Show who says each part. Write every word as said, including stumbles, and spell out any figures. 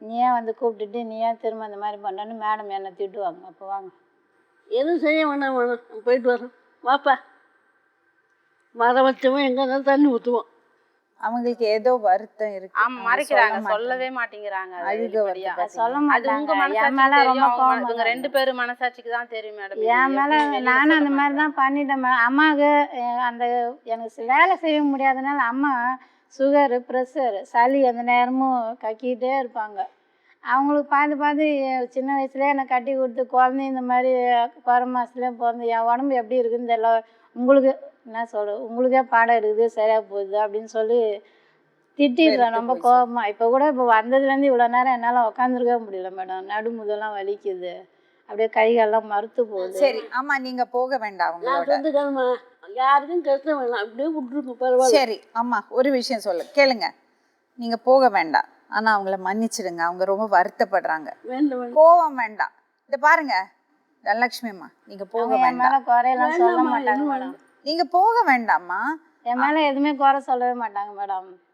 Speaker 1: நீ ஏன் வந்து கூப்பிட்டுட்டு நீ ஏன் திரும்ப அந்த மாதிரி பண்ணுறேன்னு மேடம் என்னை திட்டுவாங்க. அப்போ வாங்க.
Speaker 2: எதுவும் செய்ய வேணாம் வேணாம் போயிட்டு வரோம் வாப்பா. மரம் வச்சவன் எங்கே இருந்தாலும் தண்ணி ஊற்றுவோம்.
Speaker 1: அவங்களுக்கு ஏதோ வருத்தம் இருக்கு.
Speaker 3: ஆமா மறைக்கிறாங்க, சொல்லவே மாட்டேங்கிறாங்க.
Speaker 1: அழுக வருது.
Speaker 3: அது
Speaker 1: சொல்ல
Speaker 3: உங்க
Speaker 1: மாட்டாங்க. என் மேல
Speaker 3: மனசாட்சிக்கு
Speaker 1: ரொம்ப
Speaker 3: தெரியும்,
Speaker 1: கோவம்
Speaker 3: அவங்க- இவங்க ரெண்டு பேரும் மனசாட்சிக்கு தான் தெரியும் மேடம்.
Speaker 1: என் மேல நானும் அந்த மாதிரி தான் பண்ணிட்டேன் மேடம். அம்மாவுக்கு அஹ், அந்த எனக்கு வேலை செய்ய முடியாதனால அம்மா சுகரு ப்ரெஷரு சளி அந்த நேரமும் கக்கிக்கிட்டே இருப்பாங்க. அவங்களுக்கு பார்த்து பார்த்து எ- சின்ன வயசுலேயே என்னை கட்டி கொடுத்து குழந்தை இந்த மாதிரி குறை மாதத்துலேயே பிறந்து என் உடம்பு எப்படி இருக்குன்னு தெரியல. உங்களுக்கு என்ன சொல்ற உங்களுக்கே பாடம் எடுக்குது சரியாக போகுது அப்படின்னு சொல்லி திட்டிடுறேன் ரொம்ப கோபமா. இப்போ கூட இப்போ வந்ததுலேருந்து இவ்வளோ நேரம் என்னால் உட்காந்துருக்கவே முடியல மேடம். நடுமுதெல்லாம் வலிக்குது, அப்படியே கைகாலெல்லாம் மறுத்து போகுது.
Speaker 4: சரி அம்மா நீங்க போக வேண்டாம்
Speaker 2: நான்
Speaker 4: அவங்களோட.
Speaker 2: சொந்துக்காரம்மா யாருக்கும் கஷ்டம் வேணாம், அப்படியே விட்டுருக்கு பரவாயில்ல.
Speaker 4: சரி அம்மா ஒரு விஷயம் சொல்லு கேளுங்க. நீங்க போக வேண்டாம், ஆனா அவங்கள மன்னிச்சிடுங்க. அவங்க ரொம்ப வருத்தப்படுறாங்க.
Speaker 2: வேண்டாம் வேண்டாம்
Speaker 4: கோவம் வேண்டாம். இத பாருங்க தனலட்சுமி அம்மா, நீங்க போக
Speaker 1: அவங்க என் மேல
Speaker 4: வேண்டாம்.
Speaker 1: குறையெல்லாம் சொல்ல மாட்டாங்க மேடம்.
Speaker 4: நீங்க போக வேண்டாம்மா.
Speaker 1: என் மேல எதுவுமே குறை சொல்லவே மாட்டாங்க மேடம்.